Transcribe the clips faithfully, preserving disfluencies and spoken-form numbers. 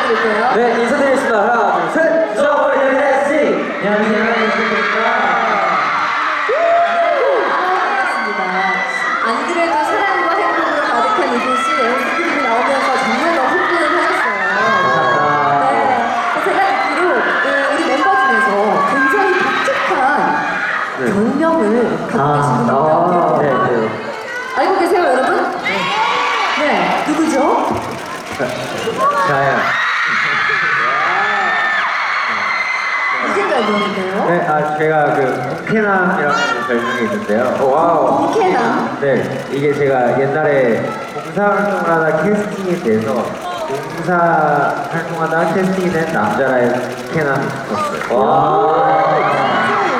인사드릴게요. 네, 인사드리겠습니다. 하나, 둘, 셋! 저버린 에스티! 안녕하세요, 에스티입니다. 반갑습니다. 안 그래도 사랑과 행복으로 가득한 이곳이 에스티비 나오면서 정말 너무 흥분을 하셨어요. 네, 제가 듣기로 그 우리 멤버 중에서 굉장히 독특한 네. 별명을 갖고 계신 분이 있다고 네, 해요. 네. 알고 계세요, 여러분? 네, 누구죠? 자야. 무슨 별명인데요? 네, 아, 제가 그, 홍케남이라는 별명이 있는데요. 와우. 홍케남? 네, 이게 제가 옛날에 봉사활동을 하다 캐스팅이 돼서 봉사 활동하다 캐스팅이 된 남자라의 홍케남이 있었어요. 와.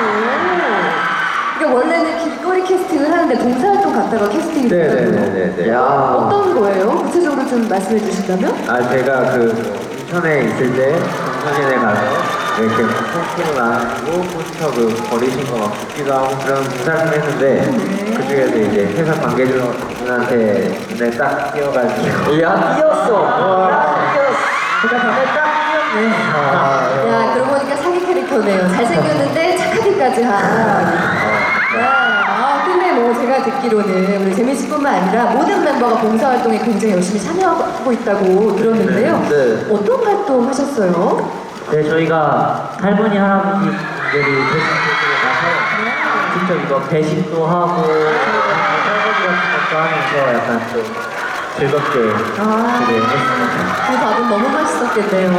그러니까 원래는 길거리 캐스팅을 하는데 봉사활동 갔다가 캐스팅이 됐거든요. 네네네네. 어떤 거예요? 구체적으로 좀 말씀해 주신다면? 아, 제가 그 인천에 있을 때 정선인에 가서 이렇게 포스터로 나누고 포스터 그 버리신 거 막 붓기도 하고 그런 봉사를 했는데 네. 그 중에서 이제 회사 관계자분한테 눈에 딱 띄어가지고 야, 띄었어! 와, 띄었어! 회사 관계 딱 띄었네. 아, 야, 그러고 보니까 사기 캐릭터네요. 잘생겼는데 착하기까지 한. 네. 아, 근데 뭐 제가 듣기로는 우리 재민 씨뿐만 아니라 모든 멤버가 봉사활동에 굉장히 열심히 참여하고 있다고 들었는데요. 네, 네. 어떤 활동 하셨어요? 네, 저희가 할머니, 할아버지들이 대신들에 가서 직접 이거 배식도 하고 설거지 같은 것도 하면서 약간 좀 즐겁게 아. 되게 했습니다. 그 밥은 너무 맛있었겠네요.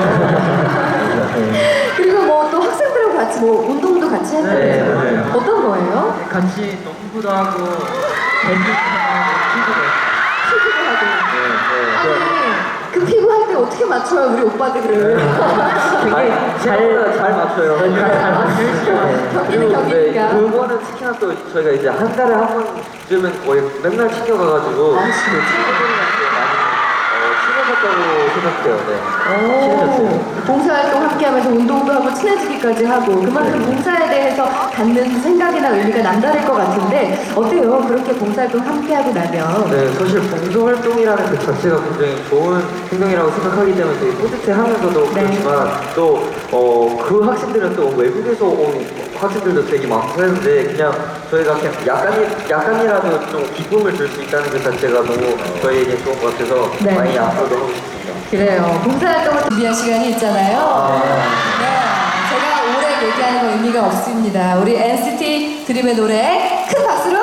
네. 그리고 뭐 또 학생들하고 같이 뭐 운동도 같이 했다면서요? 네, 네. 어떤 거예요? 같이 농구도 하고 배식도 하고 피구도 하고. 네, 아니, 그 피구 할 때 어떻게 맞춰요, 우리 오빠들을? 되게 잘, 잘 맞춰요. 잘 맞추시죠. 경기는 네, 경기니까. 그거는 특히나 또 저희가 이제 한 달에 한 번쯤은 거의 맨날 챙겨가가지고 아, 진짜? 친구들이랑 많이 어, 친해졌다고 생각해요. 네. 친해졌어요. 오, 봉사활동 함께하면서 운동도 하고 친해지기까지 하고 그만큼 봉사에 대해서 갖는 생각이나 의미가 남다를 것 같은데 어때요? 그렇게 봉사활동 함께하고 나면 네, 사실 봉사활동이라는 그 자체가 굉장히 좋은 행동이라고 생각하기 때문에 되게 뿌듯해하면서도 네. 그렇지만 또 어, 그 학생들은 또 외국에서 온 학생들도 되게 많고 했는데 그냥 저희가 그냥 약간이, 약간이라도 좀 기쁨을 줄 수 있다는 그 자체가 너무 저희에게 좋은 것 같아서 네. 많이 앞으로도 하고 싶습니다. 그래요. 봉사활동을 준비한 시간이 있잖아요. 네, 제가 오래 얘기하는 건 의미가 없습니다. 우리 엔시티 드림의 노래 큰 박수로